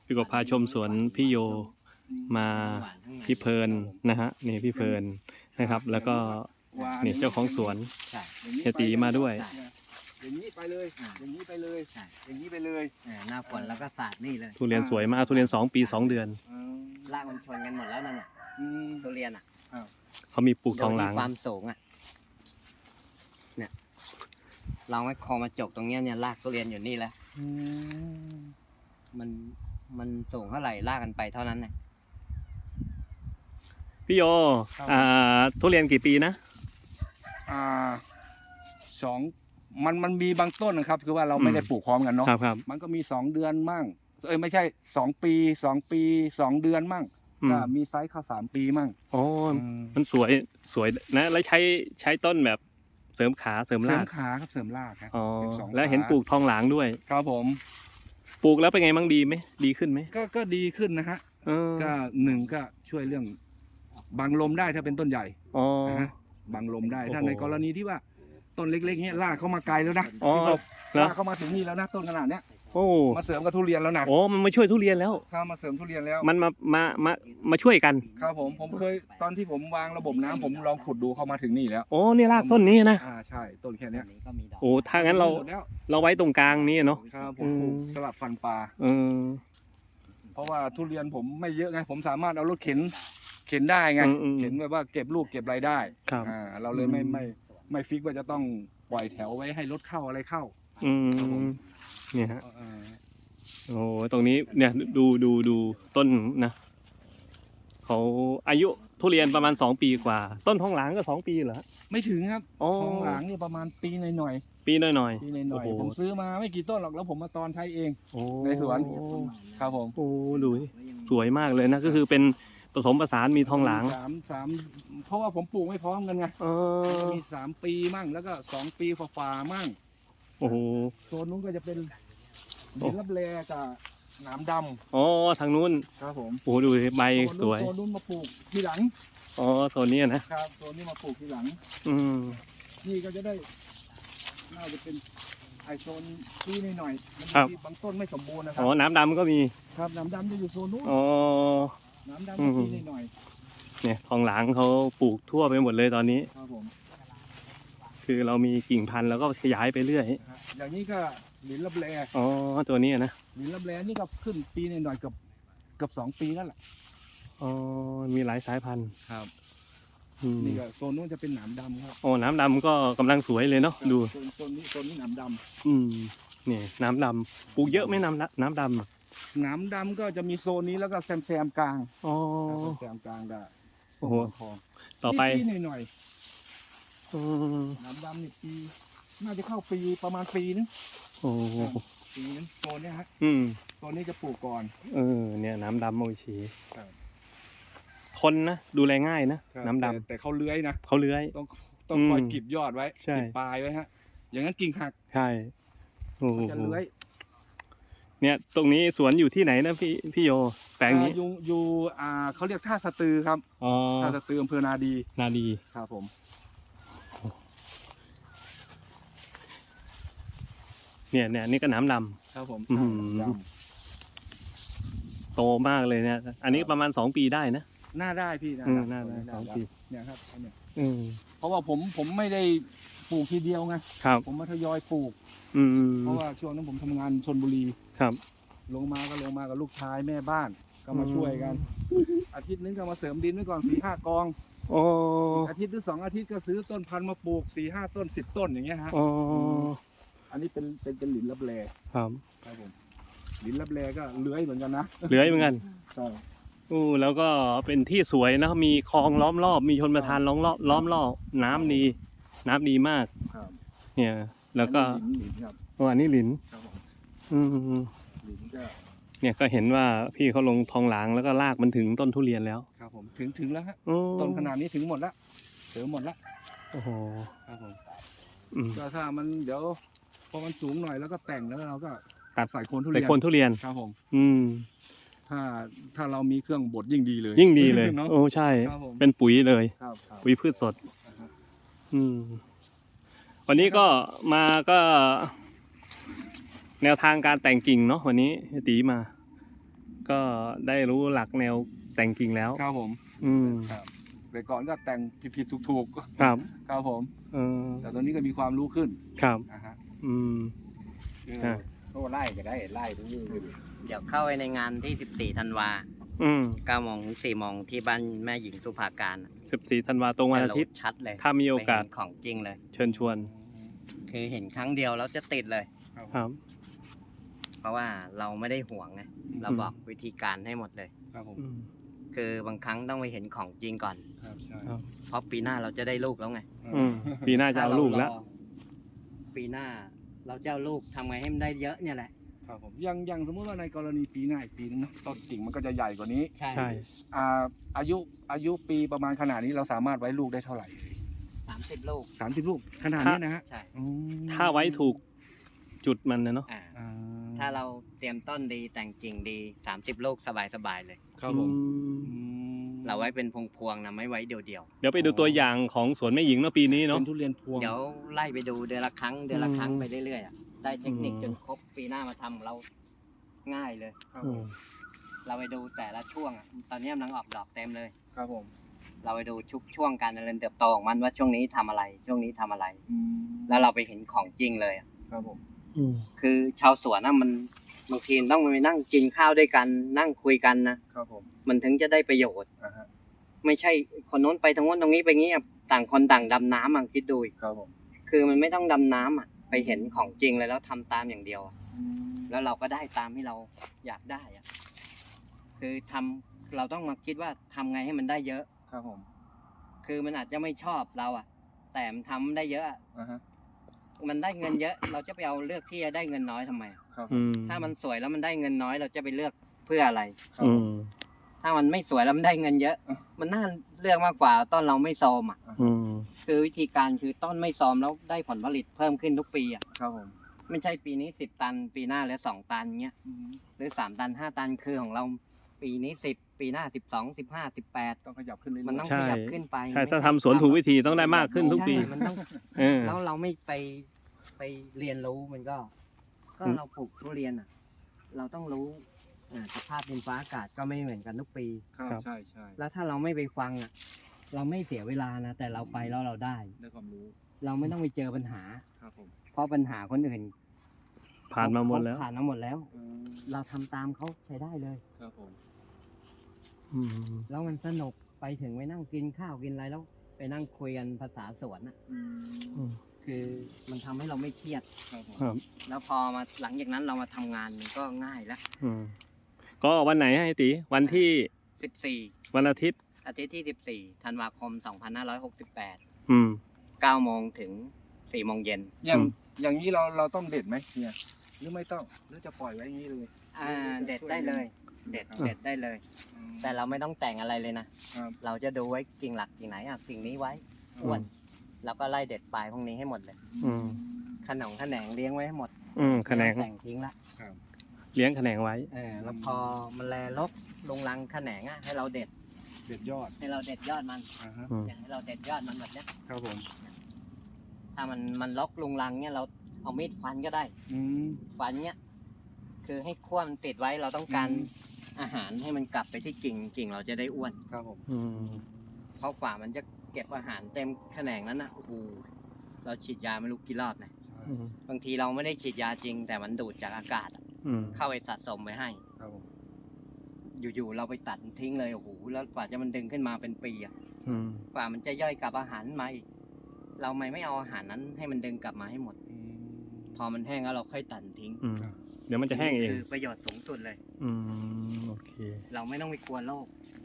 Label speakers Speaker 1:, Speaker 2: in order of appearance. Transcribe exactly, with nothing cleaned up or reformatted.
Speaker 1: พี่ก็พาชมสวนพี่โยมาพี่เพลินนะฮะนี่พี่เพลินนะครับ แล้วก็นี่เจ้าของสวน
Speaker 2: ใช่
Speaker 1: เฮียตีมาด้วย
Speaker 3: อย่างนี้ไปเลย อย่างนี้ไปเลย
Speaker 2: ใช่
Speaker 3: อย่างนี้ไปเลย
Speaker 2: อ่าหน้าฝนแล้วก็สาดนี่เลย
Speaker 1: ทุเรียนสวยมากทุเรียนสองปีสองเดือน
Speaker 3: อืม
Speaker 2: รากมันชนกันหมดแล้วนั่นน่ะ
Speaker 3: อืม
Speaker 2: ทุเรียนอ่ะ
Speaker 1: เขามีปลูกทองหลาง
Speaker 2: โดยที่ความสูงอ่ะเนี่ยลองไว้คอมาจกตรงเนี้ยเนี่ยรากทุเรียนอยู่นี่แล้ว
Speaker 3: อืม
Speaker 2: มันมันสูงเท่าไหร่รากกันไปเท่านั้นน่ะ
Speaker 1: พี่โยอ่าทุเรียนกี่ปีนะ
Speaker 3: อ่าสองมันมันมีบางต้นนะครับ คือว่าเราไม่ได้ปลูกพร้อมกันเนาะ
Speaker 1: ครับครับ
Speaker 3: มันก็มีสองเดือนมั่ง เอ้ยไม่ใช่สองปีสองปีสองเดือนมั่ง
Speaker 1: อืม
Speaker 3: ก็มีไซส์เข้าสามปีมั่ง
Speaker 1: โอ้
Speaker 3: อืม
Speaker 1: มันสวยสวยนะแล้วใช้ใช้ต้นแบบเสริมขาเสริม
Speaker 3: เสริ
Speaker 1: ราม ก
Speaker 3: ขาครับเสริมรากครับ
Speaker 1: อ๋อ
Speaker 3: สิบสอง
Speaker 1: แล้วเห็น
Speaker 3: ขา
Speaker 1: ปลูกทองหลางด้วย
Speaker 3: ครับผม
Speaker 1: ปลูกแล้วเป็นไงบ้างดีไหมดีขึ้นไหม
Speaker 3: ก็ก็ดีขึ้นนะฮะ
Speaker 1: เออ
Speaker 3: ก็หนึ่งก็ช่วยเรื่องบังลมได้ถ้าเป็นต้นใหญ่
Speaker 1: อ๋อ
Speaker 3: นะฮะบังลมได้
Speaker 1: โอ้โห
Speaker 3: ถ้าในกรณีที่ว่าต้นเล็กๆเนี้ยลากเข้ามาไกลแล้วนะ
Speaker 1: อ๋อ
Speaker 3: พี่กบ
Speaker 1: เหรอ
Speaker 3: ลากเข้ามาถึงนี่แล้วนะต้นขนาดเนี้ย
Speaker 1: โอ้
Speaker 3: มาเสริมกับทุเรียนแล้วนะ
Speaker 1: โอ้มันมาช่วยทุเรียนแล้ว
Speaker 3: เข้ามาเสริมทุเรียนแล้ว
Speaker 1: มันมามามามาช่วยกัน
Speaker 3: ครับผมผมเคยตอนที่ผมวางระบบน้ำผมลองขุดดูเข้ามาถึงนี่แล้ว
Speaker 1: โอ้นี่รากต้นนี้นะ
Speaker 3: อ่าใช่ต้นแค่
Speaker 2: อั
Speaker 3: เนี้ย
Speaker 2: นนี้ก็มีดอก
Speaker 1: โอ้ถ้างั้นเรา
Speaker 3: หมดแล้ว
Speaker 1: เราไว้ตรงกลางนี้เนาะ
Speaker 3: ครับผมปลูก
Speaker 1: อืม
Speaker 3: สลับฟันปลา
Speaker 1: เออ
Speaker 3: เพราะว่าทุเรียนผมไม่เยอะไงผมสามารถเอารถเข็นเข็นได้ไง
Speaker 1: อืมอืม
Speaker 3: เข็นแบบว่าเก็บลูกเก็บรายได้
Speaker 1: ครับ
Speaker 3: อ่าเราเลยไม่
Speaker 1: อืม
Speaker 3: ไม่ไม่ฟิกว่าจะต้องปล่อยแถวไว้ให้รถเข้าอะไรเข้า
Speaker 1: อื
Speaker 3: ครับผม
Speaker 1: มเนี่ยฮะ
Speaker 3: เอ่อ
Speaker 1: โอ้ตรงนี้เนี่ยดูดูดูต้นนะเขาอายุทุเรียนประมาณสองปีกว่า ต้นทองหลางก็สองปีเหรอ
Speaker 3: ไม่ถึงครับ
Speaker 1: อ๋อ
Speaker 3: ทองหลางนี่ประมาณปีหน่อย
Speaker 1: ปีหน่อยหน่อย
Speaker 3: ๆปีหน่อย
Speaker 1: โอ้โห
Speaker 3: ๆผมซื้อมาไม่กี่ต้นหรอกแล้วผมมาตอนใช้เอง
Speaker 1: โอ้
Speaker 3: ในสวน ครับผม
Speaker 1: โอ้ดูดิสวยมากเลยนะก็คือเป็นผสมผสานมีทองหลาง
Speaker 3: สามสามเพราะว่าผมปลูกไม่พร้อมกันไง
Speaker 1: เอ
Speaker 3: มัน
Speaker 1: อ
Speaker 3: จะมีสามปีมั่งแล้วก็สองปีฝ่าๆมั่ง
Speaker 1: โอ้โห
Speaker 3: โซนนู้นก็จะเป็นดินรับแลกับหนามด
Speaker 1: อ๋อทางนู้น
Speaker 3: ำครับผม
Speaker 1: โอ้ดูดิใบ
Speaker 3: โซน
Speaker 1: ส
Speaker 3: นู้น
Speaker 1: วย
Speaker 3: โซนนู้นมาปลูกทีหลัง
Speaker 1: อ๋อโซนนี้นะครับ
Speaker 3: โซนนี้มาปลูกทีหลัง
Speaker 1: อืม
Speaker 3: นี่ก็จะได้น่าจะเป็นไอโซนที่หน่อยๆมัน
Speaker 1: ครับ
Speaker 3: มีบางต้นไม่สมบูรณ์นะครั
Speaker 1: อ๋อน้ำดำก็มี
Speaker 3: ครับหนามดำจะอยู่โซนนู้น
Speaker 1: อ๋อ
Speaker 3: หนามดำ
Speaker 1: อื
Speaker 3: จะ
Speaker 1: ม
Speaker 3: ที่หน่อย
Speaker 1: เนี่ยทองหลางเขาปลูกทั่วไปหมดเลยตอนนี้
Speaker 3: ๆครับผม
Speaker 1: คือเรามีกิ่งพันธุ์แล้วก็ขยายไปเรื่อย
Speaker 3: นะครับอย่างนี้ก็หลินรับแล
Speaker 1: อ๋อตัวนี้นะ
Speaker 3: หลินรับแลนี่ก็ขึ้นปีหน่อยๆเกับเกับสองปีนั่นแหละ
Speaker 1: อ๋อมีหลายสายพันธุ์
Speaker 3: ครับ
Speaker 1: อืม
Speaker 3: นี่ก็โซนนู้นจะเป็นหนามดำครับ
Speaker 1: โอ้น้ำดำก็กำลังสวยเลยเนาะดู
Speaker 3: โซนโซนนี้โซนนี้หนามด
Speaker 1: อืมนี่น้ำดำปลูกเยอะไหมน้ำดำน้ำดำ
Speaker 3: ำหนามดำก็จะมีโซนนี้แล้วก็แซมแซมๆกลาง
Speaker 1: อ๋อ
Speaker 3: แซมๆกลางได้
Speaker 1: โอ้โห
Speaker 3: ทอง
Speaker 1: ต่อไป
Speaker 3: ปีหน่อย
Speaker 1: อืม
Speaker 3: ๆหนามดำนี่ปีน่าจะเข้าปีประมาณปีนึง
Speaker 1: โอ้โห
Speaker 3: ปีนึงโซนเนี้ยฮะ
Speaker 1: อืม
Speaker 3: โซนนี้จะปลูกก่อน
Speaker 1: เออเนี่ยน้ำดำโอชี
Speaker 3: ครับ
Speaker 1: ทนนะดูแลง่ายนะน้ำดำ
Speaker 3: แต่แต่เขาเลื้อยนะ
Speaker 1: เขาเลื้อย
Speaker 3: ต้องต้องคอย
Speaker 1: อืม
Speaker 3: กรีบยอดไว้
Speaker 1: ใช่
Speaker 3: กรีบปลายไว้ฮะ อย่างนั้นกิ่งหัก
Speaker 1: ใช่โอ้โห
Speaker 3: มันจะเลื้อย
Speaker 1: เนี่ยตรงนี้สวนอยู่ที่ไหนนะพี่พี่โยแปลงนี้
Speaker 3: อ่าอยู่อยู่อ่าเขาเรียกท่าสะตือครับ
Speaker 1: อ๋อ
Speaker 3: ท่าสะตืออำเภอนาดี
Speaker 1: นาดี
Speaker 3: ครับผม
Speaker 1: เนี่ยเนี่ยนี่ก็น้ำด
Speaker 3: ครับผม
Speaker 1: อื้อ
Speaker 3: ใช่
Speaker 1: หือ
Speaker 3: ด
Speaker 1: ำโตมากเลยเนี่ยอันนี้ประมาณสองปีได้นะ
Speaker 3: ำหน้าได้พี่
Speaker 1: อืมหน้าได้
Speaker 3: ห
Speaker 1: สองปี
Speaker 3: เนี่ยครับอันเนี่ย
Speaker 1: อืม
Speaker 3: เพราะว่าผมผมไม่ได้ปลูกทีเดียวไง
Speaker 1: ครับ
Speaker 3: ผมมาทยอยปลูก
Speaker 1: อืม
Speaker 3: เพราะว่าช่วงนั้นผมทำงานชนบุรี
Speaker 1: ครับ
Speaker 3: ลงมาก็ลงมากับลูกชายแม่บ้านก็มาช่วยกัน อาทิตย์นึงก็มาเสริมดินไว้ก่อนสี่ห้ากอง
Speaker 1: โอ้
Speaker 3: อาทิตย์หรือสองอาทิตย์ก็ซื้อต้นพันธุ์มาปลูกสี่ห้าต้นสิบต้นอย่างเงี้ยฮะ
Speaker 1: โอ้
Speaker 3: อันนี้เป็นเป็นเป็นหลินลับแล
Speaker 1: ครับ
Speaker 3: ครับผมหลินลับแลก็เลื้อยเหมือนกันนะ
Speaker 1: เหลือเหมือนกัน
Speaker 3: ใช่
Speaker 1: อู้แล้วก็เป็นที่สวยนะมีคลองล้อมรอบ มีชนประทานล้อมรอบล้อมรอบน้ำดี น้ำดีมาก
Speaker 3: ครับ
Speaker 1: เนี่ย แล้วก็
Speaker 3: อันนี้หลินหลินครับ
Speaker 1: โอ้อันนี้หลิน
Speaker 3: ครับผม
Speaker 1: อืม
Speaker 3: หลินก็
Speaker 1: เนี่ยก็เห็นว่าพี่เขาลงทองหลางแล้วก็ลากมันถึงต้นทุเรียนแล้ว
Speaker 3: ครับผมถึงถึงแล้วฮะ
Speaker 1: โอ้
Speaker 3: ต้นขนาดนี้ถึงหมดแล้วเสริมหมดแล้ว
Speaker 1: โอ้โห
Speaker 3: ครับผม
Speaker 1: อืม
Speaker 3: ก็ถ้ามันเดี๋ยวพอมันสูงหน่อยแล้วก็แต่งแล้วเราก็
Speaker 1: ตัด
Speaker 3: ใส่โคนทุ
Speaker 1: ใส่
Speaker 3: เรียน
Speaker 1: โคนทุเรียน
Speaker 3: ครับผม
Speaker 1: อืม
Speaker 3: ถ้าถ้าเรามีเครื่องบดยิ่งดีเลย
Speaker 1: ยิ่งดีเลย
Speaker 3: เนาะ
Speaker 1: โอ้ใช่
Speaker 3: ครับผม
Speaker 1: เป็นปุ๋ยเลย
Speaker 3: ครับครับ
Speaker 1: ปุ๋ยพืชสด
Speaker 3: อ่าฮะ
Speaker 1: อืม วันนี้ก็มาก็ แนวทางการแต่งกิ่งเนาะวันนี้ตีมาก็ได้รู้หลักแนวแต่งกิ่งแล้ว
Speaker 3: ครับผม
Speaker 1: อืม
Speaker 3: ครับแต่ก่อนก็แต่งผิดๆถูกๆ
Speaker 1: ครับ
Speaker 3: ครับผม
Speaker 1: เออ
Speaker 3: แต่ตอนนี้ก็มีความรู้ขึ้น
Speaker 1: ครับ
Speaker 3: นะฮะ
Speaker 1: อืม อ่ะ
Speaker 3: โอ้ไล่ก็ได้ไล่ทุกอย่างเลย
Speaker 2: เดี๋ยวเข้าไปในงานที่สิบสี่ธันวา
Speaker 1: อืม
Speaker 2: เก้าโมงถึงสี่โมงที่บ้านแม่หญิงสุภาการ
Speaker 1: สิบสี่ธันวาตรงวันอาทิตย์
Speaker 2: จะโหลดชัดเลย
Speaker 1: ถ้ามีโอกาส
Speaker 2: ไปเห็นของจริงเลย
Speaker 1: เชิญชวน
Speaker 2: คือเห็นครั้งเดียวแล้วจะติดเลย
Speaker 1: ครับ
Speaker 2: เพราะว่าเราไม่ได้ห่วงไงเราบอกวิธีการให้หมดเลย
Speaker 3: ครับผม
Speaker 1: อืม
Speaker 2: คือบางครั้งต้องไปเห็นของจริงก่อน
Speaker 3: ครับใช่
Speaker 1: ครับ
Speaker 2: เพราะปีหน้าเราจะได้ลูกแล้วไง
Speaker 1: อืม ปีหน้าจะเอาลูกแล้ว
Speaker 2: ถ้รรอปีหน้าเราจะเอาลูกทำไงให้มันได้เยอะเนี่ยแหละ
Speaker 3: ครับผมยังยังสมมติว่าในกรณีปีหน้าอีกปีนึงเนาะต้นกิ่งมันก็จะใหญ่กว่านี้
Speaker 2: ใช่
Speaker 1: ใช่
Speaker 3: อ่าอายุอายุปีประมาณขนาดนี้เราสามารถไว้ลูกได้เท่าไหร่
Speaker 2: สามสิบลูก
Speaker 3: สามสิบลูกขนาดนี้นะฮะ
Speaker 2: ใช่
Speaker 3: อืม
Speaker 1: ถ้าไว้ถูกจุดมันนะเนาะ
Speaker 2: อ่า
Speaker 3: อ่า
Speaker 2: ถ้าเราเตรียมต้นดีแต่งกิ่งดีสามสิบลูกสบายๆเลย
Speaker 3: ครับผม
Speaker 1: อืม
Speaker 3: อืม
Speaker 2: เราไว้เป็นพวงๆนะไม่ไว้เดียว
Speaker 1: เดี๋ยวไปดูตัวอย่างของสวนแม่หญิงเนาะปีนี้เนาะ
Speaker 3: เป็นทุเรียนพวง
Speaker 2: ๆเดี๋ยวไล่ไปดูเดือนละครั้งเดือนละครั้ง
Speaker 1: อืม
Speaker 2: ไปเรื่อยๆอะได้เทคนิค
Speaker 1: อืม
Speaker 2: จนครบปีหน้ามาทำเราง่ายเลย
Speaker 3: ครับ
Speaker 1: อื
Speaker 3: ผม
Speaker 1: ม
Speaker 2: เราไปดูแต่ละช่วงอะตอนนี้กำลังออกดอกเต็มเลย
Speaker 3: ครับผม
Speaker 2: เราไปดูชุกช่วงการเจริญเติบโตของมันว่าช่วงนี้ทำอะไร ช่วงนี้ทำอะไร
Speaker 3: อืม
Speaker 2: แล้วเราไปเห็นของจริงเลยอะ
Speaker 3: ครับผม
Speaker 1: อืม
Speaker 2: คือชาวสวนนะมันบางทีต้องไปนั่งกินข้าวด้วยกันนั่งคุยกันนะครับ
Speaker 3: ผม
Speaker 2: มันถึงจะได้ประโยชน์
Speaker 3: อ่าฮะ
Speaker 2: ไม่ใช่คนโน้นไปทางโน้นตรงนี้ไปงี้อะต่างคนต่างดำน้ำอ่ะคิดดูดิ
Speaker 3: ครับผม
Speaker 2: คือมันไม่ต้องดำน้ำอ่ะไปเห็นของจริงเลยแล้วทำตามอย่างเดียวอะ
Speaker 3: อืม
Speaker 2: แล้วเราก็ได้ตามที่เราอยากได้อ่ะคือทำเราต้องมาคิดว่าทำไงให้มันได้เยอะ
Speaker 3: ครับผม
Speaker 2: คือมันอาจจะไม่ชอบเราอ่ะ แต่มันทำได้เยอะอะ
Speaker 3: อ่าฮะ
Speaker 2: มันได้เงินเยอะ เราจะไปเอาเลือกที่จะได้เงินน้อยทำไมอะ
Speaker 3: ครับผ
Speaker 1: อื
Speaker 3: ม
Speaker 1: ม
Speaker 2: ถ้ามันสวยแล้วมันได้เงินน้อยเราจะไปเลือกเพื่ออะไร
Speaker 3: ครับ
Speaker 1: อื
Speaker 3: ผม
Speaker 1: ม
Speaker 2: ถ้ามันไม่สวยแล้วมันได้เงินเยอะ มันน่าเลือกมากกว่าต้นเราไม่โซมอ่ะ
Speaker 1: อืม
Speaker 2: คือวิธีการคือต้นไม่โซมแล้วได้ผลผลิตเพิ่มขึ้นทุกปีอ่ะ
Speaker 3: ครับผม
Speaker 2: ไม่ใช่ปีนี้สิบตัน ปีหน้าเหลือสองตันเงี้ย
Speaker 3: อืม
Speaker 2: หรือสามตันห้าตันคือของเราปีนี้สิบปีหน้าสิบสองสิบห้าสิบแปด
Speaker 3: ต้องขยับขึ้นเรื่อยๆ
Speaker 2: มันต้อง
Speaker 1: ใช่
Speaker 2: ขยับขึ้นไป
Speaker 1: ใช่
Speaker 2: ไม่
Speaker 1: ถ้าทำสวนถูกวิธีต้องได้มากขึ้นทุกปี
Speaker 2: ใช่มันต้อง
Speaker 1: เออ
Speaker 2: แล้วเราไม่ไปไปเรียนรู้มันก็ ก็
Speaker 1: อืม
Speaker 2: เราปลูกทุเรียนอ่ะ เราต้องรู้อ่าสภาพดินฟ้าอากาศก็ไม่เหมือนกันทุกปี
Speaker 3: ครับใช่ใช่
Speaker 2: แล้วถ้าเราไม่ไปฟังอ่ะ เราไม่เสียเวลานะ แต่เราไปแล้วเราได้
Speaker 3: ได้ความรู้
Speaker 2: เราไม่ต้องไปเจอปัญหา
Speaker 3: ครับผม
Speaker 2: เพราะปัญหาคนอื่น
Speaker 1: ผ่านมาหมดแล้ว
Speaker 2: เขผ่านมาหมดแล้ว
Speaker 3: อืม
Speaker 2: เราทำตามเขาใช้ได้เลย
Speaker 3: ครับผม
Speaker 1: อืม
Speaker 2: แล้วมันสนุกไปถึงไปนั่งกินข้าวกินอะไรแล้ว ไปนั่งคุยกันภาษาสวนอ่ะ
Speaker 3: อืม
Speaker 1: อืม
Speaker 2: คือมันทำให้เราไม่เครียด
Speaker 3: ครับผม
Speaker 1: ครับ
Speaker 2: แล้วพอมาหลังจากนั้นเรามาทำงานมันก็ง่ายแล้ว
Speaker 1: อืมก็วันไหนให้ตีวันที่
Speaker 2: สิบสี่
Speaker 1: วันอาทิตย์
Speaker 2: อาทิตย์ที่สิบสี่ธันวาคมสองพันห้าร้อยหกสิบแปด
Speaker 1: อืม
Speaker 2: เก้าโมงถึงสี่โมงเย็น
Speaker 3: อย่าง
Speaker 1: อืม
Speaker 3: อย่างนี้เราเราต้องเด็ดไหมเนี่ยหรือไม่ต้องหรือจะปล่อยไว้อย่างนี้เลย
Speaker 2: อ่าเด็ดได้เลย เด็ด
Speaker 3: ครับ
Speaker 2: เด็ดได้เลย
Speaker 3: อืม
Speaker 2: แต่เราไม่ต้องแต่งอะไรเลยนะ
Speaker 3: ครับ
Speaker 2: เราจะดูไว้กิ่งหลักกิ่งไหนอ่ะกิ่งนี้ไว้อ้วนแล้วก็ไล่เด็ดปลายพวกนี้ให้หมดเลย
Speaker 1: อืม
Speaker 2: ขนงขนงเลี้ยงไว้ให้หมด
Speaker 1: อืมแขนง
Speaker 2: ไม่ต้องแต่งทิ้งละ
Speaker 3: ครับ
Speaker 1: เลี้ยงแขนงไว้
Speaker 2: เออแล้วพอมันแลลกลงรังแขนงอ่ะให้เราเด็ด
Speaker 3: เด็ดยอด
Speaker 2: ให้เราเด็ดยอดมัน
Speaker 3: อ่าฮะ
Speaker 1: อืม
Speaker 2: อย่างให้เราเด็ดยอดมันแบบเนี้ย
Speaker 3: ครับผม
Speaker 2: ถ้ามันมันล็อกลงรังเนี่ยเราเอามีดฟันก็ได้
Speaker 3: อืม
Speaker 2: ฟันเนี่ยคือให้ขั้วมันติดไว้เราต้องการ
Speaker 3: อืม
Speaker 2: อาหารให้มันกลับไปที่กิ่งกิ่งเราจะได้อ้วน
Speaker 3: ครับผม
Speaker 1: อืม
Speaker 2: เพราะฝ่ามันจะเก็บอาหารเต็มแขนงนั้นนะโอ้โหเราฉีดยาไม่รู้กี่รอบนะ
Speaker 3: ใช่
Speaker 1: อืม
Speaker 2: บางทีเราไม่ได้ฉีดยาจริง แต่มันดูดจากอากาศอะ
Speaker 1: อืม
Speaker 2: เข้าไปสะสมไว้ให้
Speaker 3: ครับผม
Speaker 2: อยู่ๆเราไปตัดทิ้งเลยโอ้โหแล้วกว่าจะมันดึงขึ้นมาเป็นปีอะ
Speaker 1: อืม
Speaker 2: กว่ามันจะย่อยกลับอาหารมาอีกเราไม่ไม่เอาอาหารนั้นให้มันดึงกลับมาให้หมด
Speaker 3: อืม
Speaker 2: พอมันแห้งแล้วเราค่อยตัดทิ้ง
Speaker 1: อืมเดี๋ยวมันจะแห้งเอง
Speaker 2: คือประโยชน์สูงสุดเลย
Speaker 1: อืมโอเค
Speaker 2: เราไม่ต้องไปกลัวโรค